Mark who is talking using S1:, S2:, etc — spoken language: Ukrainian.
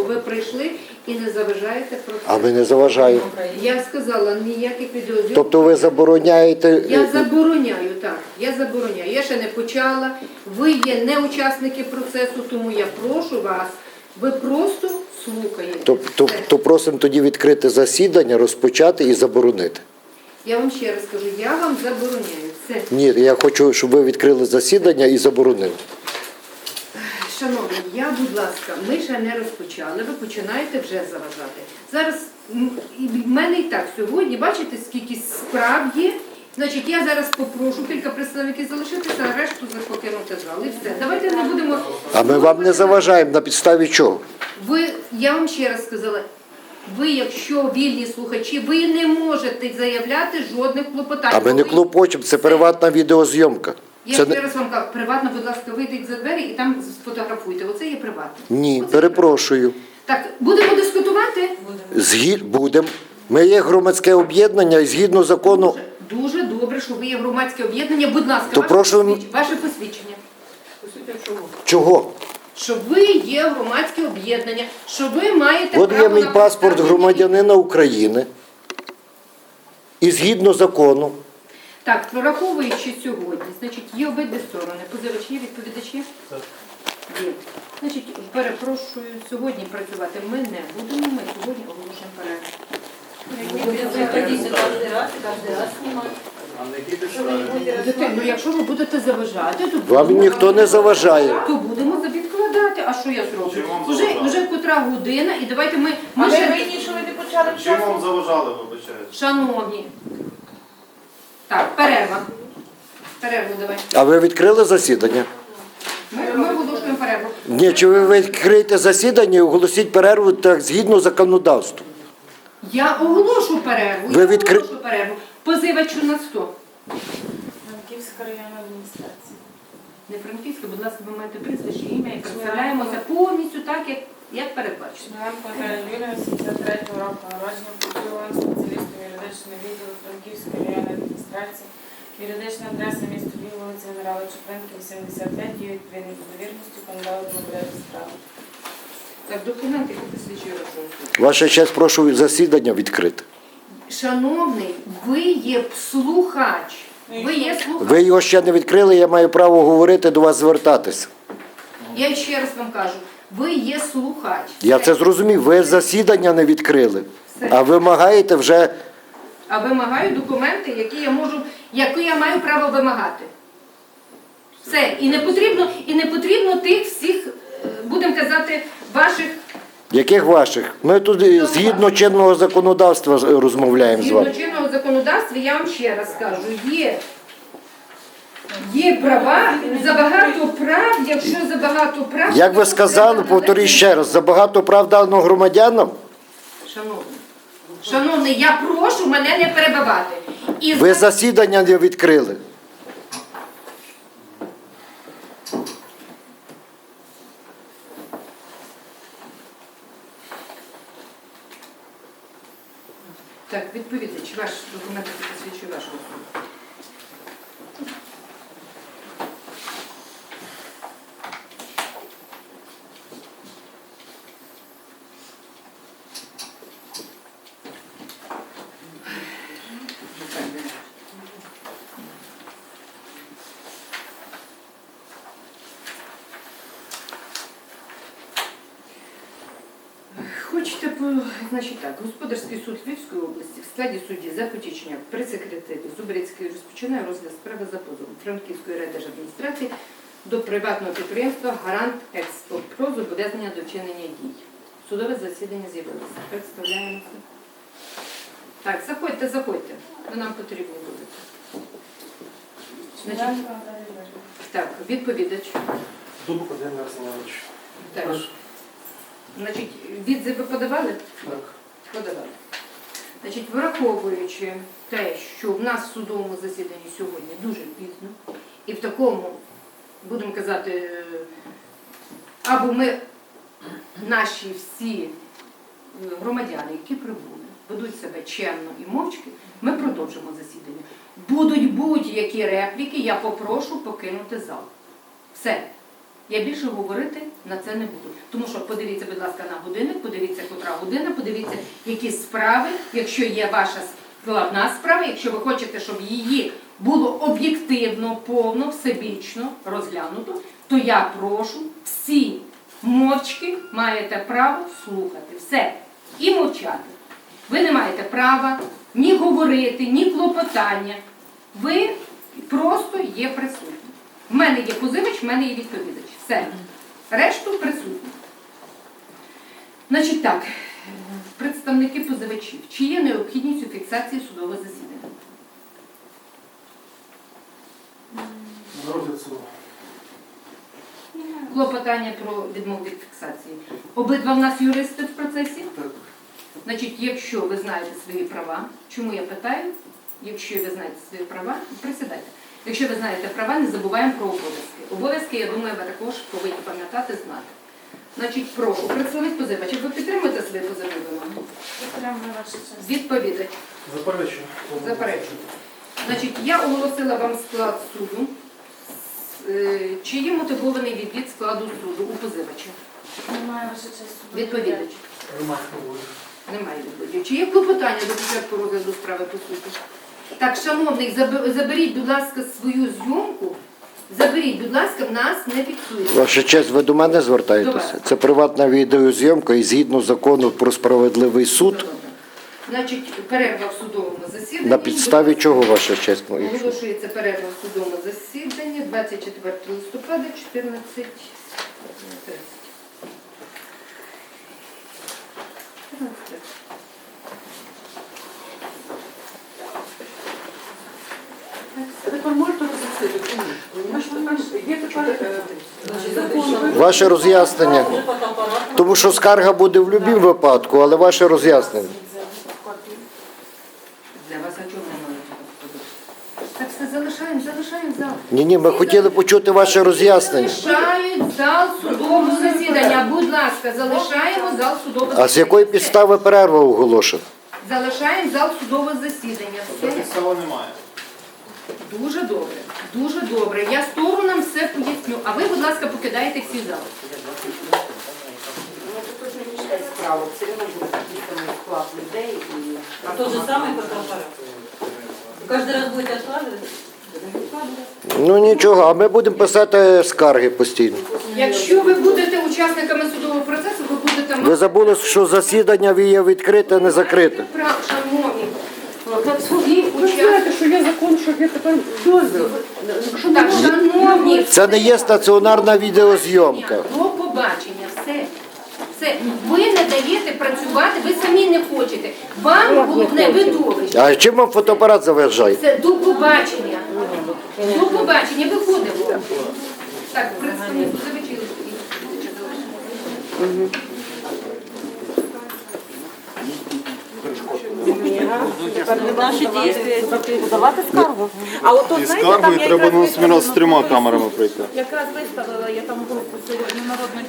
S1: ви прийшли і не заважаєте процесу.
S2: А ви не заважаєте.
S1: Я сказала, ніяких відеозйомок.
S2: Тобто ви забороняєте...
S1: Я забороняю, так. Я забороняю. Я ще не почала. Ви є не учасники процесу, тому я прошу вас, ви просто слухаєте.
S2: То просимо тоді відкрити засідання, розпочати і заборонити.
S1: Я вам ще раз кажу, я вам забороняю. Це.
S2: Ні, я хочу, щоб ви відкрили засідання і заборонили.
S1: Шановні, будь ласка, ми ще не розпочали, ви починаєте вже заважати. Зараз в мене і так сьогодні, бачите, скільки справ є. Значить, я зараз попрошу кілька представників залишитися, а решту покинути зал. І все. Давайте не будемо...
S2: А ми вам не заважаємо, на підставі чого?
S1: Я вам ще раз сказала, ви, якщо вільні слухачі, ви не можете заявляти жодних клопотань.
S2: А ми не клопочемо, це приватна відеозйомка.
S1: Я ще раз вам кажу, приватно, будь ласка, вийдіть за двері і там сфотографуйте. Оце є приватно.
S2: Ні,
S1: Оце
S2: перепрошую.
S1: так, будемо дискутувати?
S2: Будемо. Ми є громадське об'єднання і згідно закону...
S1: Дуже добре, що ви є громадське об'єднання. Будь ласка,
S2: То
S1: ваше посвідчення.
S2: Чого?
S1: Що ви є громадське об'єднання, що ви маєте
S2: От
S1: право
S2: є мій
S1: на
S2: паспорт
S1: представлення.
S2: громадянина України. І згідно закону.
S1: Так, враховуючи сьогодні, значить, є обидві сторони. Позивачі, відповідачі? Так. Є. Значить, перепрошую, сьогодні працювати ми не будемо, ми сьогодні оголошуємо перерву. Ну, якщо ви будете заважати, то
S2: Вам ніхто не заважає.
S1: то будемо відкладати. А що я зроблю? Уже котра година, і давайте ми
S3: А ви
S1: ще...
S3: винні, що ви не почали
S4: Чим
S3: часу?
S4: вам заважали, вибачаєте?
S1: Шановні. Так, перерва. Перерву давай.
S2: А ви відкрили засідання?
S1: Ми оголошуємо перерву.
S2: Ні, чи ви відкриєте засідання і оголосіть перерву так згідно законодавству?
S1: Я оголошу перерву.
S2: Ви
S1: Я
S2: відкри-
S1: оголошу перерву. Позивачу на 100.
S3: Франківська районна адміністрація.
S1: Не Франківська, будь ласка, ви маєте прізвище, ім'я і представляємося повністю так, як передбачено.
S3: Шмиленко Наталія Юріївна, 73-го року народження, працювала спеціалістом юридичного відділу Франківської районної адміністрації. Юридична адреса місто Львів, вулиця Генерала Чупринки, 85, діє відповідно до довірності, кандидат на порядок справи.
S1: Так, документи, які посвідчують вашу особу.
S2: Ваша честь, прошу засідання відкрити.
S1: Шановний, ви є слухач. Ви є слухач.
S2: Ви його ще не відкрили, я маю право говорити, до вас звертатися.
S1: Я ще раз вам кажу, ви є слухач.
S2: Я це зрозумів, ви засідання не відкрили, а вимагаєте вже...
S1: А вимагаю документи, які я маю право вимагати. Все. І не потрібно тих всіх, будемо казати, ваших...
S2: Яких ваших? Ми тут згідно чинного законодавства розмовляємо з вами.
S1: Згідно чинного законодавства, я вам ще раз кажу, є права, забагато прав, якщо забагато прав...
S2: Як ви сказали, повторіть ще раз, забагато прав дано громадянам?
S1: Шановний, я прошу мене не перебивати.
S2: Ви засідання не відкрили.
S1: Так, відповідач, ваш документ посвідчує вашу особу. Хочете, значить так, Господарський суд Львівської області в складі судді Запотічняк при секретарі Зубрицької розпочинає розгляд справи за позовом Франківської райдержадміністрації до приватного підприємства «Гарант Експо» про зобов'язання до вчинення дій. Судове засідання з'явилося. Представляємося. Так, заходьте. Ви нам потрібні будете. Значить,
S3: Шмиленко Наталія Юріївна.
S1: так, відповідач.
S4: Дубок Один Арсенович.
S1: Так. Значить, відзив ви подавали?
S4: Так.
S1: Подавали. Значить, враховуючи те, що в нас в судовому засіданні сьогодні дуже пізно, і в такому, будемо казати, або ми, наші всі громадяни, які прибули, ведуть себе чемно і мовчки, ми продовжимо засідання. Будуть будь-які репліки, я попрошу покинути зал. Все. Я більше говорити на це не буду. Тому що подивіться, будь ласка, на годинник, подивіться, котра година, подивіться, які справи, якщо є ваша складна справа, якщо ви хочете, щоб її було об'єктивно, повно, всебічно розглянуто, то я прошу, всі мовчки маєте право слухати. Все. І мовчати. Ви не маєте права ні говорити, ні клопотання. Ви просто є присутні. В мене є позивач, в мене є відповідач. Все. Решту присутні. Значить так, представники позивачів. Чи є необхідність у фіксації судового засідання?
S4: На розгляд суду.
S1: Клопотання про відмову від фіксації. Обидва в нас юристи в процесі?
S4: Так.
S1: Значить, якщо ви знаєте свої права, чому я питаю? Якщо ви знаєте свої права, присідайте. Якщо ви знаєте права, не забуваємо про обов'язки. Обов'язки, я думаю, ви також повинні пам'ятати, знати. Значить, прошу, представник позивача, ви підтримуєте свої позивні вимоги?
S3: Підтримую вашу честь.
S1: Відповідач.
S4: Заперечую.
S1: Заперечую. Значить, я оголосила вам склад суду. Чи є мотивований відвід складу суду у позивача?
S3: Немає ваша честь.
S1: Відповідач.
S4: Громадського воля.
S1: Немає відповіді. Чи є клопотання до початку розгляду справи по суті? Так, шановний, заберіть, будь ласка, свою зйомку. Заберіть, будь ласка, в нас не фіксується.
S2: Ваша честь, ви до мене
S1: До
S2: звертаєтеся?
S1: вас.
S2: Це приватна відеозйомка і згідно закону про справедливий суд.
S1: Значить, перерва в судовому засіданні.
S2: На підставі чого, ваша честь?
S1: Оголошується перерва в судовому засіданні 24 листопада 14:30.
S5: Тепер можете роз'яснити, чому? Є тепер закон.
S2: Ваше роз'яснення. Тому що скарга буде в будь-якому випадку, але ваше роз'яснення.
S1: Для вас а чого немає? Так все залишаємо зал.
S2: Ні, ми хотіли почути ваше роз'яснення.
S1: Залишають зал судового засідання. Будь ласка, залишаємо зал судового засідання.
S2: А з якої підстави перерва оголошена?
S1: Залишаємо зал судового засідання. Все.
S4: Підстави немає.
S1: Дуже добре, дуже добре. Я сторонам все поясню. А ви, будь ласка, покидаєте всі зали.
S5: Справа, все одно буде записаний склад людей і...
S6: Тот же самый фотоаппарат. Каждый раз будете откладывать?
S2: Ну нічого, а ми будемо писати скарги постійно.
S1: Якщо ви будете учасниками судового процесу, ви будете
S2: Ви забули, що засідання є відкрите, не закрите.
S1: шановні.
S5: Ви знаєте, що є закон, що є тепер дозвіл. Що
S1: Так, шановні.
S2: Це не є стаціонарна відеозйомка.
S1: До побачення, все. Все. Ви не даєте працювати, ви самі не хочете. Вам головне видовище.
S2: А чим вам фотоапарат заважає?
S1: Це до побачення. До побачення. Виходимо. Так, представник позивачів.
S6: Наши действия.
S5: подавати скаргу. А от тут,
S4: І
S5: знаєте,
S4: скаргою
S5: там я
S4: треба
S5: якраз
S4: на сміна з трьома
S5: виставила
S4: камерами прийти.
S5: Якраз виставила я там групу сьогодні народних